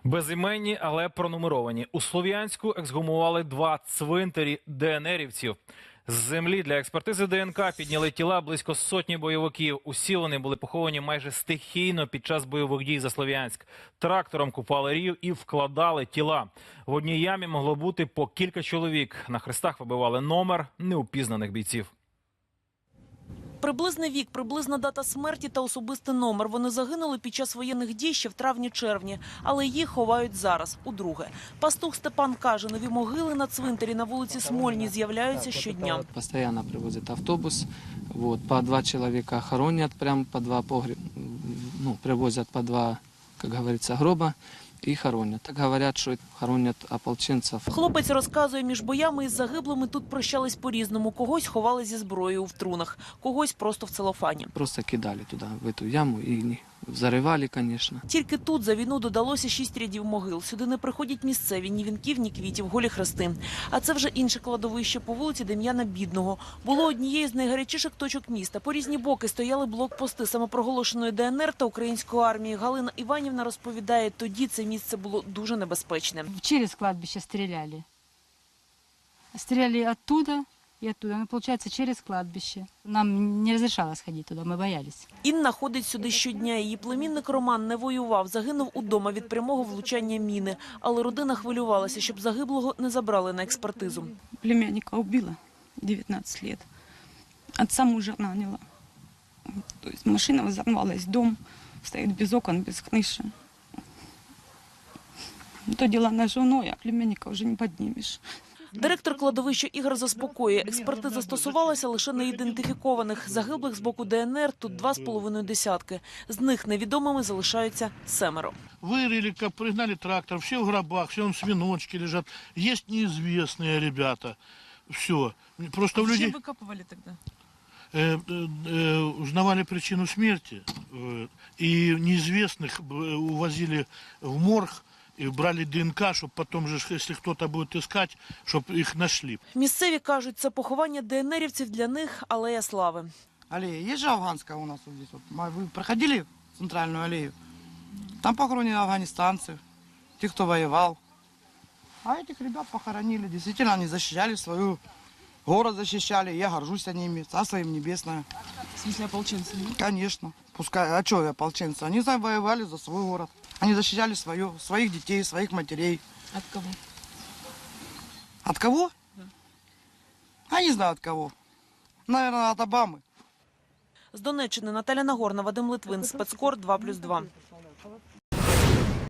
Безіменні, але пронумеровані. У Слов'янську ексгумували 2 цвинтарі ДНРівців. З землі для експертизи ДНК підняли тіла близько сотні бойовиків. Усі вони були поховані майже стихійно під час бойових дій за Слов'янськ. Трактором купали рів і вкладали тіла. В одній ямі могло бути по кілька чоловік. На хрестах вибивали номер неупізнаних бійців. Приблизний вік, приблизна дата смерті та особистий номер. Вони загинули під час воєнних дій ще в травні-червні, але їх ховають зараз, удруге. Пастух Степан каже, нові могили на цвинтарі на вулиці Смольній з'являються щодня. Постоянно привозят автобус, по 2 человека хоронят, прям по 2 привозят по 2, как говорится, гроба и хоронят. Так говорят, что хоронят ополченцев. Хлопець розказує, між боями із загиблими тут прощались по-різному. Когось ховали зі зброєю в трунах, когось просто в целофані. Просто кидали туда, в эту яму, и взрывали, конечно. Тільки тут за війну додалося 6 рядів могил. Сюди не приходять місцеві, ні вінків, ні квітів, голі хрести. А це вже інше кладовище по вулиці Дем'яна Бідного. Було однією з найгарячіших точок міста. По різні боки стояли блокпости самопроголошеної ДНР та української армії. Галина Іванівна розповідає, тоді це місце було дуже небезпечне. Через кладбище стреляли. Стреляли оттуда и оттуда. Ну, получается, через кладбище. Нам не разрешалось ходить туда, мы боялись. Інна ходить сюди щодня. Її племінник Роман не воював, загинув удома від прямого влучання міни. Але родина хвилювалася, щоб загиблого не забрали на експертизу. Племянника убила 19 лет. Отца мужа наняла. То есть машина взорвалась, дом стоит без окон, без крыши. То дела на жену, а племянника вже не піднімеш. Директор кладовища Ігор заспокоює. Експертиза стосувалася лише неідентифікованих. Загиблих з боку ДНР тут 2,5 десятки. З них невідомими залишаються 7. Вырыли, как пригнали трактор, все в гробах, все в свиночки лежат. Есть неизвестные ребята. Все. Просто в людей... Зачем выкапывали тогда? Узнавали причину смерти. И неизвестных увозили в морг. І брали ДНК, щоб потім, якщо хтось буде шукати, щоб їх знайшли. Місцеві кажуть, це поховання ДНРівців для них алея слави. Аллея. Есть же афганская у нас вот здесь. Вы проходили центральную аллею? Там похоронены афганистанцы, те, кто воевал. А этих ребят похоронили. Действительно, они защищали свою город, защищали. Я горжусь ними. Царство им небесное. В смысле ополченцы? Конечно. Пускай. А что ополченцы? Они завоевали за свой город. Они защищали своих детей, своих матерей. От кого? От кого? Да. А не знаю от кого. Наверное, от Обамы. З Донеччини Наталя Нагорна, Вадим Литвин, Спецкор 2+2.